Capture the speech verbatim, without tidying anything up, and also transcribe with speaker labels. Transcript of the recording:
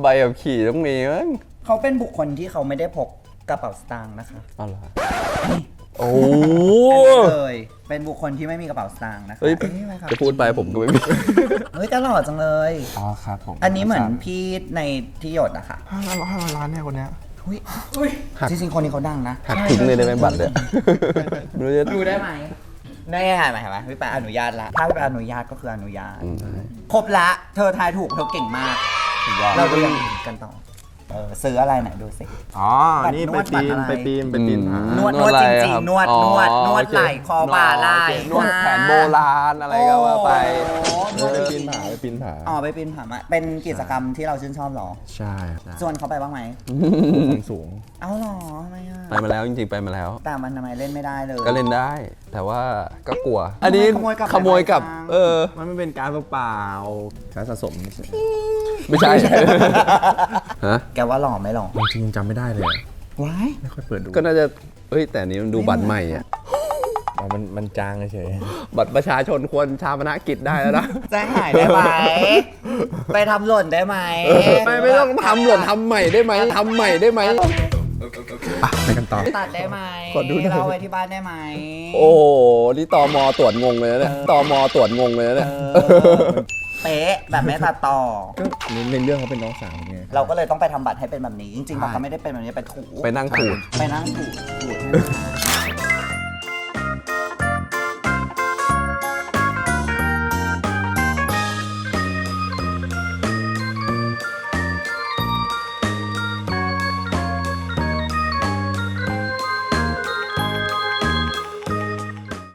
Speaker 1: ใบขับขี่ต้องมีมั้ง
Speaker 2: เขาเป็นบุคคลที่เขาไม่ได้พกกระเป๋าสตางค์นะคะ
Speaker 1: อ๋อเหรอโอ้
Speaker 2: เลยเป็นบุคคลที่ไม่มีกระเป๋าสตางค์นะคะ
Speaker 1: เฮ้ย
Speaker 2: อ้ยครับ
Speaker 1: จะพูดไปผมก็ไม่มี
Speaker 2: เฮ้ยตลอดจังเลย
Speaker 3: อ๋อครับผม
Speaker 2: อันนี้เหมือนพี่ในที่หยดอะค่ะ
Speaker 3: ห้าร้อยห้าร้อยล้านเนี่ยคนเนี้ย
Speaker 2: อุ้ยจริงๆคนนี้เขาดังนะ
Speaker 1: หักทิ้งเลยได้ไหมบัตรเนี่ยไม่รู้จะ
Speaker 2: ดูได้ไหมได้ไหมเห็นไหมพี่ปาอนุญาตละถ้าพี่ปาอนุญาตก็คืออนุญาต
Speaker 1: อืม
Speaker 2: ครบละเธอทายถูกเธอเก่งมาก เราดูอย่างอื่นกันต่อเออซื้ออะไรไหนดูสิ
Speaker 3: อ๋อ นี่
Speaker 2: น
Speaker 3: ไป
Speaker 2: วด
Speaker 3: ปีน
Speaker 2: บัตรอะไร
Speaker 3: ไปปีนไปปีนผาน
Speaker 2: วด
Speaker 1: นวด
Speaker 2: จ
Speaker 1: อะไร
Speaker 2: ริง
Speaker 1: ครับ
Speaker 2: ๆนวด
Speaker 1: อ๋อน
Speaker 2: วดนวด
Speaker 1: โอเค
Speaker 2: ไหล่คอบ่าไหล่
Speaker 1: โอเคนวดแผนโบราณอะไรก็ว่าไป
Speaker 2: โอ้โห
Speaker 3: ไปปีนผาไปปีนผา
Speaker 2: อ๋อไปปีนผามาเป็นกิจกรรมที่เราชื่นชอบเหรอ
Speaker 3: ใช่ใช่
Speaker 2: ชวนเขาไปบ้างไหม
Speaker 3: ความสูง
Speaker 2: เอาเหรอทำไมอ่ะ
Speaker 1: ไปมาแล้วจริงๆไปมาแล้ว
Speaker 2: แต่มันทำไมเล่นไม่ได้เลย
Speaker 1: ก็เล่นได้ แต่ว่าก็กลัว อันนี้
Speaker 2: ขโมยกลับ
Speaker 1: ขโมยกับ
Speaker 2: ไปบ้าง
Speaker 1: เออ
Speaker 3: มันไม่เป็นการเปล่าๆการสะสม
Speaker 1: ไม่ใช่ ฮะ
Speaker 2: แกว่าหล่อไหมหล่อ
Speaker 3: จริงๆจำไม่ได้เลยอะ
Speaker 2: ว้าย
Speaker 3: ไม่ค่อยเปิดดู
Speaker 1: ก็น่าจะเฮ้ยแต่อันนี้มันดูบัตรใหม่อ่ะ
Speaker 3: อ๋อมันมันจางเฉย
Speaker 1: บัตรประชาชนควรชาปนกิจได้แล้วนะ
Speaker 2: แจ้งหายได้ไหม ไปทำหล่นได้ไหม
Speaker 1: ไม่ไม่ต้องทำหล่นทำใหม่ได้ไหมทำใหม่ได้ไหม
Speaker 3: อ่ะไปกันต่อ
Speaker 2: ตัดได้ไหม
Speaker 3: ขอดูหน่อย
Speaker 2: เราไว้ที่บ้านได้ไหม
Speaker 1: โอ้โห นี่ตมตรวจงงเลยนะเนี่ยตมตรวจงงเลยนะเนี่ย
Speaker 2: เออเป๊ะแบบไม่ตัดต่อ
Speaker 3: ก็ในเรื่องเขาเป็นน้องสาวไง
Speaker 2: เราก็เลยต้องไปทำบัตรให้เป็นแบบนี้ จริงๆบัตรเขาไม่ได้เป็นแบบนี้ไปถู
Speaker 1: ไปนั่งขูด
Speaker 2: ไปนั่งถูถูให้มันหาย